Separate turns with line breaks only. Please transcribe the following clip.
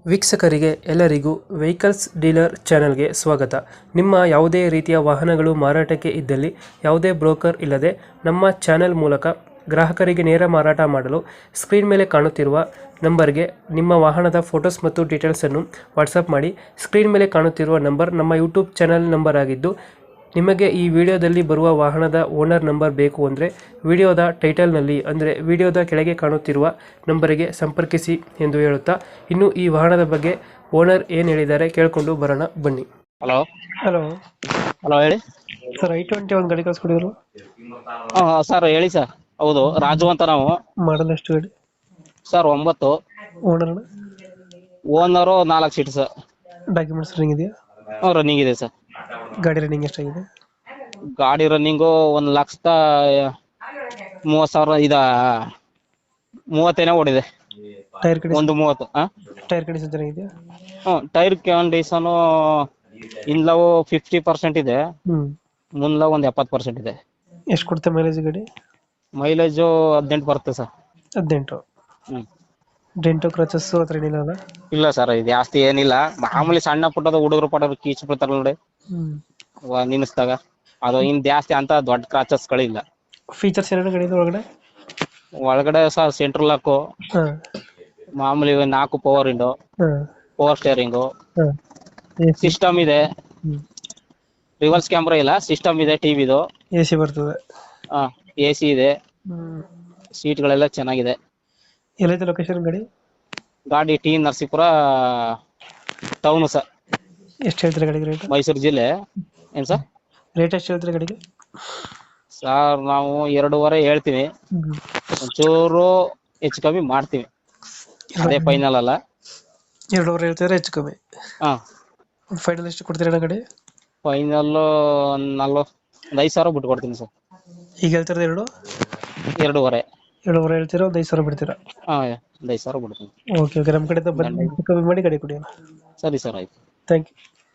ವೀಕ್ಷಕರಿಗೆ ಎಲ್ಲರಿಗೂ vehicles dealer ಚಾನೆಲ್ಗೆ ಸ್ವಾಗತ. ನಿಮ್ಮ ಯಾವುದೇ ರೀತಿಯ ವಾಹನಗಳು ಮಾರಾಟಕ್ಕೆ ಇದ್ದಲ್ಲಿ ಯಾವುದೇ ಬ್ರೋಕರ್ ಇಲ್ಲದೆ ನಮ್ಮ ಚಾನೆಲ್ ಮೂಲಕ ಗ್ರಾಹಕರಿಗೆ ನೇರ ಮಾರಾಟ ಮಾಡಲು ಸ್ಕ್ರೀನ್ ಮೇಲೆ ಕಾಣುತ್ತಿರುವ ನಂಬರ್ಗೆ ನಿಮ್ಮ ವಾಹನದ ಫೋಟೋಸ್ ಮತ್ತು ಡೀಟೇಲ್ಸನ್ನು ವಾಟ್ಸಪ್ ಮಾಡಿ. ಸ್ಕ್ರೀನ್ ಮೇಲೆ ಕಾಣುತ್ತಿರುವ ನಂಬರ್ ನಮ್ಮ ಯೂಟ್ಯೂಬ್ ಚಾನೆಲ್ ನಂಬರ್ ಆಗಿದ್ದು, ನಿಮಗೆ ಈ ವಿಡಿಯೋದಲ್ಲಿ ಬರುವ ವಾಹನದ ಓನರ್ ನಂಬರ್ ಬೇಕು ಅಂದರೆ ವಿಡಿಯೋದ ಟೈಟಲ್ನಲ್ಲಿ ಅಂದರೆ ವಿಡಿಯೋದ ಕೆಳಗೆ ಕಾಣುತ್ತಿರುವ ನಂಬರಿಗೆ ಸಂಪರ್ಕಿಸಿ ಎಂದು ಹೇಳುತ್ತಾ, ಇನ್ನು ಈ ವಾಹನದ ಬಗ್ಗೆ ಓನರ್ ಏನು ಹೇಳಿದ್ದಾರೆ ಕೇಳಿಕೊಂಡು ಬರೋಣ ಬನ್ನಿ.
ಹಲೋ
ಹಲೋ
ಹಲೋ ಹೇಳಿ
ಸರ್, I-20 ಒಂದು ಗಾಡಿ ಕಳಿಸ್ಕೊಡಿದ್ರು.
ಸರ್ ಹೇಳಿ ಸರ್. ಹೌದು, ರಾಜು ಅಂತ ನಾವು.
ಮಾಡಲ್ ಎಷ್ಟು ಗಾಡಿ?
Sir 9.
Owner
owner 4 seat sir.
Documents running ಇದೆಯಾ?
ರನ್ನಿಂಗ್ ಇದೆ ಸರ್.
ಗಾಡಿ ರನ್ನಿಂಗ್ ಎಷ್ಟಾಗಿದೆ?
ಗಾಡಿ ರನ್ನಿಂಗು 1,30,000 30 ಓಡಿದೆ.
Tyre condition?
130.
ಟೈರ್ ಕಂಡೀಷನ್ ಚೆನ್ನಾಗಿದೆಯಾ?
ಟೈರ್ ಕಂಡೀಷನ್ ಇನ್ಲವು 50% ಇದೆ, ಮುಂದ್ಲವ್ ಒಂದು 70% ಇದೆ.
ಎಷ್ಟು ಕೊಡುತ್ತೆ ಮೈಲೇಜ್ ಗಾಡಿ?
ಮೈಲೇಜು 18 ಬರುತ್ತೆ ಸರ್.
18.
ಹ್ಮ್
ಡೆಂಟು ಕ್ರಚಸ್ ಹತ್ರ ಏನಿಲ್ಲ ಅಲ್ಲ?
ಇಲ್ಲ ಸರ್, ಇದು ಜಾಸ್ತಿ ಏನಿಲ್ಲ. ಮಾಮೂಲಿ ಸಣ್ಣ ಪುಟ್ಟದ ಹುಡುಗರು ಪಡೋರು ಕೀಚ್ ಬಿಡ್ತಾರ ನೋಡಿ ನಿನ್ಸ್ದಾಗ, ಅದು ಇನ್ ಜಾಸ್ತಿ ಅಂತ ದೊಡ್ಡ ಕ್ರಾಚಸ್ಗಳಿಲ್ಲ.
ಫೀಚರ್ಸ್ ಏನೇನು ಗಾಡಿ ಒಳಗಡೆ?
ಒಳಗಡೆ ಸರ್ ಸೆಂಟ್ರಲ್ ಲಾಕು,
ಹಾಂ
ಮಾಮೂಲಿ 4 ಪವರ್ ವಿಂಡೋ,
ಹಾಂ
ಪವರ್ ಸ್ಟೇರಿಂಗು,
ಹಾಂ
ಸಿಸ್ಟಮ್ ಇದೆ. ರಿವರ್ಸ್ ಕ್ಯಾಮ್ರಾ ಇಲ್ಲ, ಸಿಸ್ಟಮ್ ಇದೆ. ಟಿವಿದು
AC ಬರ್ತದೆ.
AC ಇದೆ. ಸೀಟ್ಗಳೆಲ್ಲ ಚೆನ್ನಾಗಿದೆ.
ಎಲ್ಲೈತೆ ಲೊಕೇಶನ್ ಗಾಡಿ?
ಗಾಡಿ ಟಿ ನರಸೀಪುರ ಟೌನ್ ಸರ್.
ಎಷ್ಟು ಹೇಳ್ತೀರಾ ಗಾಡಿಗೆ ರೇಟ್?
ಮೈಸೂರು ಜಿಲ್ಲೆ. ಏನ್ ಸರ್
ರೇಟ್ ಎಷ್ಟು ಹೇಳ್ತೀರಾ ಗಾಡಿಗೆ?
ಸರ್ ನಾವು 2.5 ಹೇಳ್ತೀವಿ, ಒಂಚೂರು ಹೆಚ್ಚು ಕಮ್ಮಿ ಮಾಡ್ತೀವಿ. ಅದೇ ಫೈನಲ್ ಅಲ್ಲ.
2.5 ಹೇಳ್ತಿದ್ರೆ ಹೆಚ್ಚು ಕಮ್ಮಿ. ಫೈನಲ್ ಎಷ್ಟು ಕೊಡ್ತೀರಾ ಗಾಡಿ?
ಫೈನಲ್ 5,000 ಬಿಟ್ಟು ಕೊಡ್ತೀನಿ ಸರ್.
ಈಗ ಹೇಳ್ತಿರೋದು
2.5.
2.5 ಹೇಳ್ತೀರಾ, ಒಂದು 5,000 ಬಿಡ್ತೀರಾ?
5,000 ಬಿಡ್ತೀನಿ.
ಓಕೆ ಓಕೆ, ನಮ್ಮ ಕಡೆಯಿಂದ ಬಂದು ಕಮ್ಮಿ ಮಾಡಿ ಗಾಡಿ ಕೊಡಿ.
ಸರಿ ಸರ್, ಆಯ್ತು.
Thank you.